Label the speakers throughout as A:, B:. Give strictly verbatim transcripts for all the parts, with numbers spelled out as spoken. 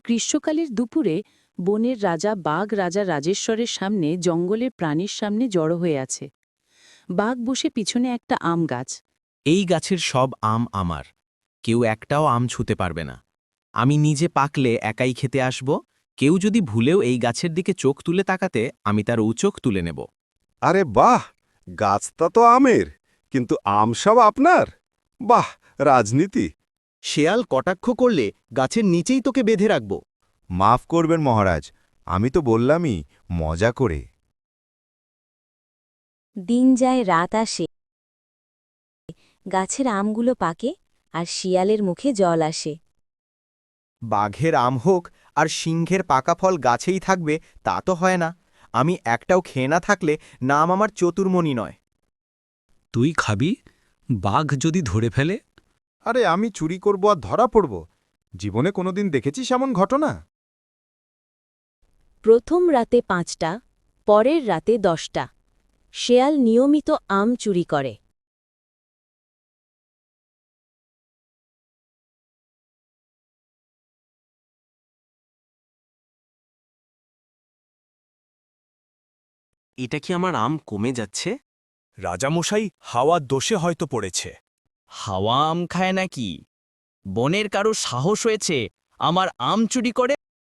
A: গ্রীষ্মকালের দুপুরে বনের রাজা বাঘ রাজা রাজেশ্বরের সামনে জঙ্গলের প্রাণীর সামনে জড়ো হয়ে আছে। বাঘ বসে পিছনে একটা আম গাছ।
B: এই গাছের সব আম আমার, কেউ একটাও আম ছুতে পারবে না। আমি নিজে পাকলে একাই খেতে আসব, কেউ যদি ভুলেও এই গাছের দিকে চোখ তুলে তাকাতে আমি তার উচোখ তুলে নেব।
C: আরে বাহ, গাছটা তো আমের, কিন্তু আম সব আপনার। বাহ, রাজনীতি।
D: শেয়াল কটাক্ষ করলে গাছের নিচেই তোকে বেঁধে রাখব।
E: মাফ করবেন মহারাজ, আমি তো বললামই মজা করে।
F: দিন যায় রাত আসে, গাছের আমগুলো পাকে আর শিয়ালের মুখে জল আসে।
D: বাঘের আম হোক আর সিংহের পাকা ফল গাছেই থাকবে তা তো হয় না। আমি একটাও খেয়ে না থাকলে নাম আমার চতুর্মণি নয়।
G: তুই খাবি? বাঘ যদি ধরে ফেলে?
C: আরে আমি চুরি করব আর ধরা পড়ব? জীবনে কোনোদিন দেখেছিস এমন ঘটনা?
F: প্রথম রাতে পাঁচটা, পরের রাতে দশটা। শেয়াল নিয়মিত আম চুরি করে।
B: এটা কি আমার আম কমে যাচ্ছে?
H: রাজামশাই হাওয়ার দোষে হয়তো পড়েছে।
B: হাওয়া আম খায় নাকি? বনের কারো সাহস হয়েছে আমার আম চুরি করে?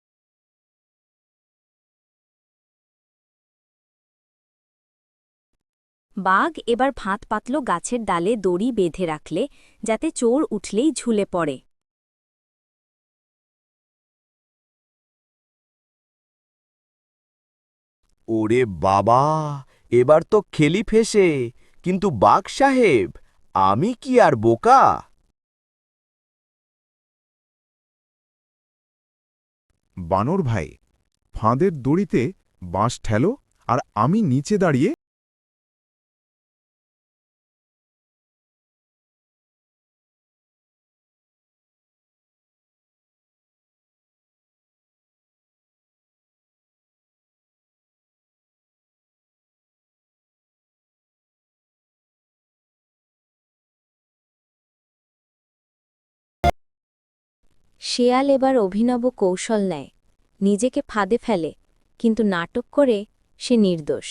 F: বাঘ এবার ফাঁত পাতল গাছের ডালে দড়ি বেঁধে রাখলে, যাতে চোর উঠলেই ঝুলে পড়ে।
D: ওরে বাবা, এবার তো খেলি ফেসে। কিন্তু বাঘ সাহেব, আমি কি আর বোকা?
C: বানর ভাই, ফাঁদের দড়িতে বাঁশ ঠেলো আর আমি নিচে দাঁড়িয়ে।
F: শেয়াল এবার অভিনব কৌশল নেয়, নিজেকে ফাঁদে ফেলে, কিন্তু নাটক করে সে নির্দোষ।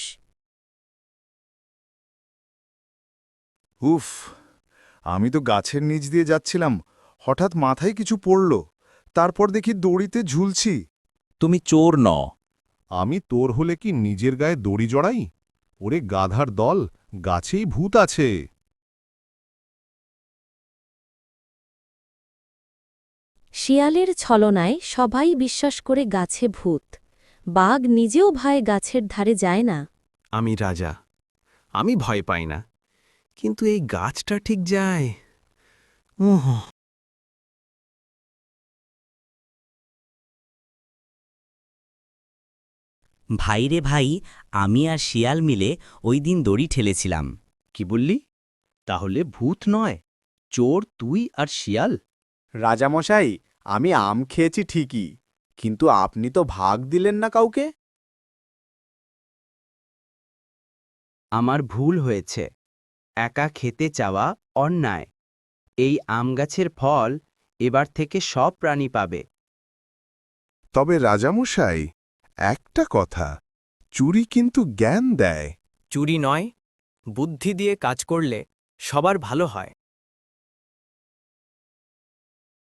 C: উফ, আমি তো গাছের নিচ দিয়ে যাচ্ছিলাম, হঠাৎ মাথায় কিছু পড়ল, তারপর দেখি দড়িতে ঝুলছি।
B: তুমি চোর ন।
C: আমি তোর হলে কি নিজের গায়ে দড়ি জড়াই? ওরে গাধার দল, গাছেই ভূত আছে।
F: শিয়ালের ছলনায় সবাই বিশ্বাস করে গাছে ভূত। বাঘ নিজেও ভয়ে গাছের ধারে যায় না।
B: আমি রাজা, আমি ভয় পাই না, কিন্তু এই গাছটা ঠিক যায়। উহ
I: ভাই রে ভাই, আমি আর শিয়াল মিলে ওই দিন দড়ি ঠেলেছিলাম।
D: কি বললি? তাহলে ভূত নয়, চোর তুই আর শিয়াল?
E: রাজামশাই, আমি আম খেয়েছি ঠিকই, কিন্তু আপনি তো ভাগ দিলেন না কাউকে।
D: আমার ভুল হয়েছে, একা খেতে চাওয়া অন্যায়। এই আম গাছের ফল এবার থেকে সব প্রাণী পাবে।
C: তবে রাজামশাই, একটা কথা, চুরি কিন্তু জ্ঞান দেয়।
B: চুরি নয়, বুদ্ধি দিয়ে কাজ করলে সবার ভালো হয়।